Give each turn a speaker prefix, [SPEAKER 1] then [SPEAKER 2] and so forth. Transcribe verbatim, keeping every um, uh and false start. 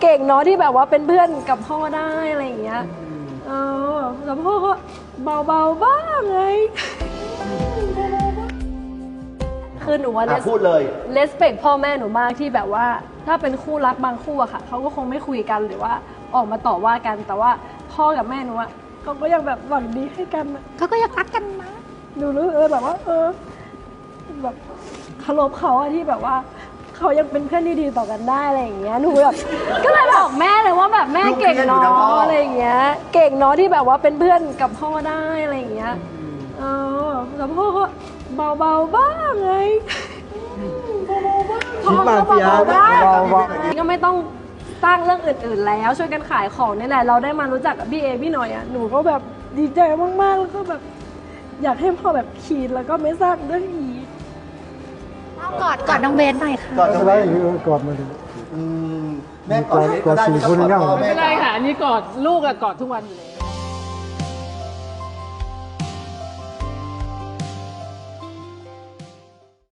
[SPEAKER 1] เก่งเนาะที่แบบว่าเป็นเพื่อนกับพ่อได้อะไรอย่างเงี้ยเออแล้วพ่อก็เบาๆบ้างไงคือหนูว่า
[SPEAKER 2] พูดเลย
[SPEAKER 1] เลสเปคพ่อแม่หนูมากที่แบบว่าถ้าเป็นคู่รักบางคู่อะค่ะเขาก็คงไม่คุยกันหรือว่าออกมาต่อว่ากันแต่ว่าพ่อกับแม่หนูอะเขาก็ยังแบบหวังดีให้กันเขาก็ยังรักกันนะหนูรู้เออแบบว่าเออแบบเคารพเขาอะที่แบบว่าเขายังเป็นเพื่อนที่ดีต่อกันได้อะไรอย่างเงี้ยหนูแบบก็เลยบอกแม่เลยว่าแบบแม่เก่งเนาะอะไรอย่างเงี้ยเก่งเนาะที่แบบว่าเป็นเพื่อนกับพ่อได้อะไรอย่างเงี้ยเออแล้วพ่อก็เบาๆบ้างไง
[SPEAKER 3] คิดมากพี่อาร์ตเบาๆ
[SPEAKER 1] ก็ไม่ต้องสร้างเรื่องอื่นๆแล้วช่วยกันขายของนี่แหละเราได้มารู้จักกับพี่เอพี่หน่อยอ่ะหนูก็แบบดีใจมากๆแล้วก็แบบอยากให้พ่อแบบขีดแล้วก็ไม่สร้างเรื่องอีก
[SPEAKER 4] กอดกอดน้องเบนหน่อยค่ะ
[SPEAKER 2] กอดน้องเบน
[SPEAKER 3] กอดมาดิ
[SPEAKER 2] แม่กอดก็ได้
[SPEAKER 3] กอดสี่คน
[SPEAKER 2] ไม่
[SPEAKER 3] ยัง
[SPEAKER 2] ต้องกอดพ่อ
[SPEAKER 5] ไม่
[SPEAKER 2] แม่
[SPEAKER 5] เป็นไรค่ะอันนี้กอดลูกอะกอดทุกวันอยู่แล้ว